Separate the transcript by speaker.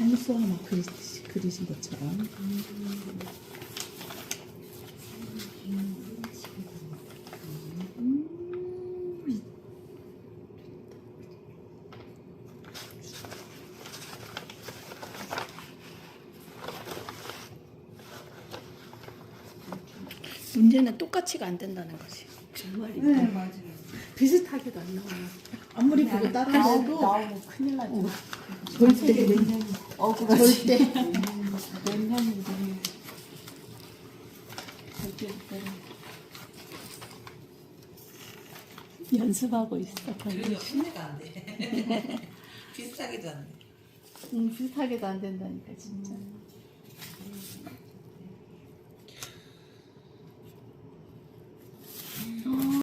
Speaker 1: 다이너소어 막 그리신 것처럼.
Speaker 2: 문제는 똑같이가 안 된다는 거지.
Speaker 3: 정말이.
Speaker 4: 네, 맞아요.
Speaker 1: 비슷하게도 안 나와요. 아무리 그거 따라해도
Speaker 3: 나오고 큰일 나죠.
Speaker 1: 절대
Speaker 3: 억울하지.
Speaker 1: 절대
Speaker 3: 몇 년이 되면 절대 못 따라.
Speaker 2: 연습하고 있어.
Speaker 4: 그래도 흉내가 안 돼. 비슷하게도 안 돼.
Speaker 2: 비슷하게도 안 된다니까 진짜.